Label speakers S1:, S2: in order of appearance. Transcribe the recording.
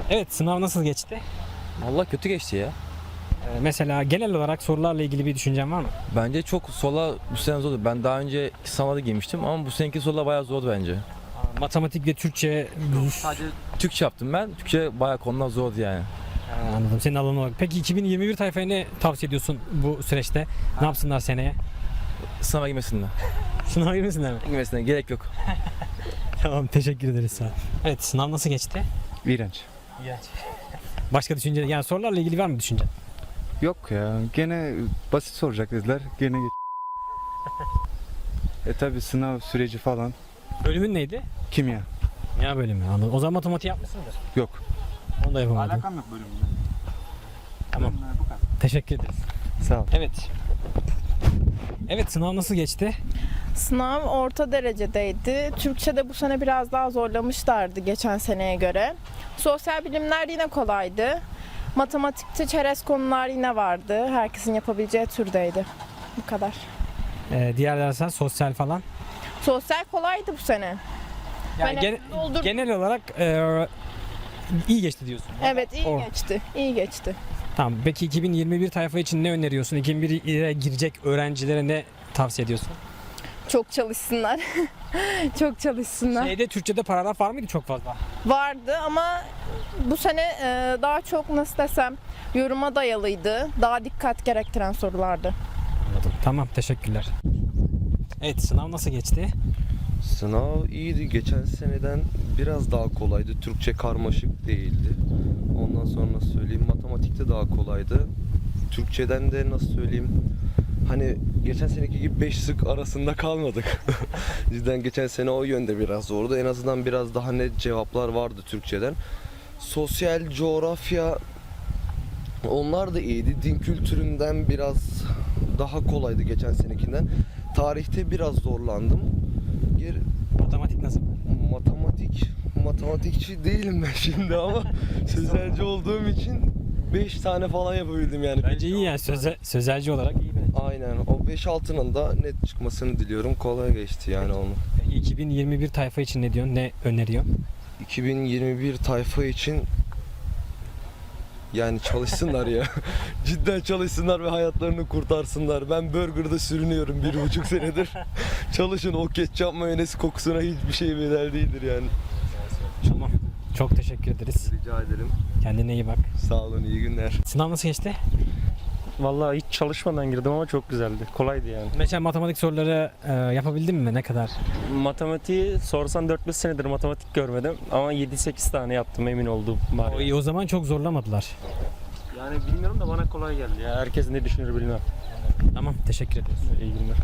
S1: Evet, sınav nasıl geçti?
S2: Vallahi kötü geçti ya.
S1: Mesela genel olarak sorularla ilgili bir düşüncen var mı?
S2: Bence çok sola bu sene zordu. Ben daha önce sınavda girmiştim ama bu seneki sorular bayağı zordu bence.
S1: Matematik ve Türkçe,
S2: Sadece Türkçe yaptım ben. Türkçe bayağı konular zordu yani.
S1: anladım senin alanın olarak. Peki 2021 tayfaya ne tavsiye ediyorsun bu süreçte? Ne yapsınlar seneye?
S2: Sınava girmesinler.
S1: Sınava girmesinler mi?
S2: Girmesinler gerek yok.
S1: Tamam, teşekkür ederiz sağ ol. Evet, sınav nasıl geçti?
S3: İğrenç.
S1: Başka düşünce, yani sorularla ilgili var mı düşüncen?
S3: Yok ya. Gene basit soracak dediler. Gene geç. Tabi sınav süreci falan.
S1: Bölümün neydi?
S3: Kimya.
S1: Ya bölümü, anladım. O zaman matematik yapmışsındır.
S3: Yok.
S1: Onu da yapamadım.
S3: yok bölümle.
S1: Tamam.
S3: Bu kadar.
S1: Teşekkür ederiz.
S3: Sağ ol.
S1: Evet. Evet, sınav nasıl geçti?
S4: Sınav orta derecedeydi. Türkçe'de bu sene biraz daha zorlamışlardı geçen seneye göre. Sosyal bilimler yine kolaydı. Matematikte çerez konular yine vardı. Herkesin yapabileceği türdeydi. Bu kadar.
S1: Diğer dersler sosyal falan.
S4: Sosyal kolaydı bu sene.
S1: Yani
S4: Ben hepsini doldurdum.
S1: genel olarak iyi geçti diyorsun.
S4: Evet, iyi
S1: Or-
S4: geçti. İyi geçti.
S1: Tamam. Peki 2021 tayfa için ne öneriyorsun? 2021'e girecek öğrencilere ne tavsiye ediyorsun?
S4: Çok çalışsınlar. Çok çalışsınlar.
S1: Şeyde Türkçe'de paragraf var mıydı çok fazla?
S4: Vardı ama bu sene daha çok nasıl desem yoruma dayalıydı. Daha dikkat gerektiren sorulardı.
S1: Anladım. Tamam, teşekkürler. Evet, sınav nasıl geçti?
S5: Sınav iyiydi. Geçen seneden biraz daha kolaydı. Türkçe karmaşık değildi. Ondan sonra söyleyeyim, matematikte daha kolaydı. Türkçeden de nasıl söyleyeyim, hani geçen seneki gibi 5 sık arasında kalmadık. Cidden geçen sene o yönde biraz zordu. En azından biraz daha net cevaplar vardı Türkçeden. Sosyal, coğrafya, onlar da iyiydi. Din kültüründen biraz daha kolaydı geçen senekinden. Tarihte biraz zorlandım.
S1: Matematik nasıl?
S5: Matematikçi değilim ben şimdi ama sözelci olduğum için 5 tane falan yapabildim yani.
S1: Bence iyi yani, sözelci olarak iyi bence.
S5: Aynen. O 5-6'nın da net çıkmasını diliyorum. Kolay geçti yani olmak.
S1: Peki 2021 tayfa için ne diyorsun? Ne öneriyorsun?
S5: 2021 tayfa için yani çalışsınlar ya. Cidden çalışsınlar ve hayatlarını kurtarsınlar. Ben burgerda sürünüyorum 1,5 senedir. Çalışın, o ketçap mayonez kokusuna hiçbir şey bedel değildir yani.
S1: Tamam. Çok teşekkür ederiz.
S5: Rica ederim.
S1: Kendine iyi bak.
S5: Sağ olun, iyi günler.
S1: Sınav nasıl geçti?
S6: Vallahi hiç çalışmadan girdim ama çok güzeldi. Kolaydı yani.
S1: Mesela matematik soruları yapabildin mi? Ne kadar?
S6: Matematiği sorsan 4-5 senedir matematik görmedim ama 7-8 tane yaptım, emin olduğum var.
S1: O zaman çok zorlamadılar.
S6: Yani bilmiyorum da bana kolay geldi ya. Herkes ne düşünür bilmem.
S1: Tamam, teşekkür ederiz.
S6: İyi günler.